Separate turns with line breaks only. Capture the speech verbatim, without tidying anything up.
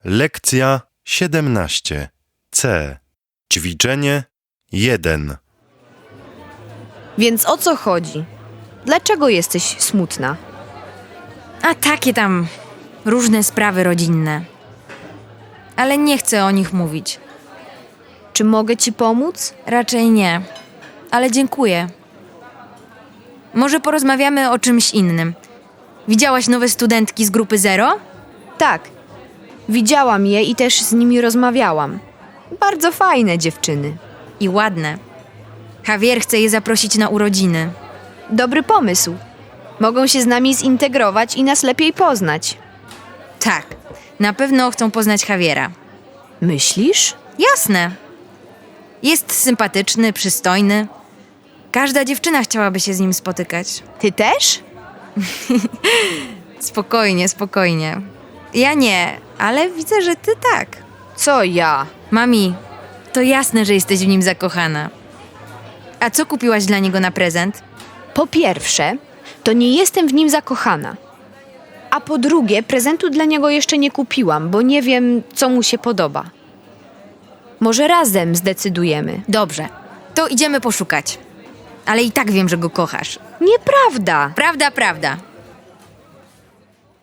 Lekcja siedemnaście. C. Ćwiczenie jeden.
Więc o co chodzi? Dlaczego jesteś smutna?
A takie tam różne sprawy rodzinne. Ale nie chcę o nich mówić.
Czy mogę ci pomóc?
Raczej nie. Ale dziękuję. Może porozmawiamy o czymś innym. Widziałaś nowe studentki z grupy Zero?
Tak. Widziałam je i też z nimi rozmawiałam. Bardzo fajne dziewczyny.
I ładne. Javier chce je zaprosić na urodziny.
Dobry pomysł. Mogą się z nami zintegrować i nas lepiej poznać.
Tak, na pewno chcą poznać Javiera.
Myślisz?
Jasne. Jest sympatyczny, przystojny. Każda dziewczyna chciałaby się z nim spotykać.
Ty też?
Spokojnie, spokojnie. Ja nie, ale widzę, że ty tak.
Co ja?
Mami, to jasne, że jesteś w nim zakochana. A co kupiłaś dla niego na prezent?
Po pierwsze, to nie jestem w nim zakochana. A po drugie, prezentu dla niego jeszcze nie kupiłam, bo nie wiem, co mu się podoba. Może razem zdecydujemy.
Dobrze, to idziemy poszukać. Ale i tak wiem, że go kochasz.
Nieprawda!
Prawda, prawda.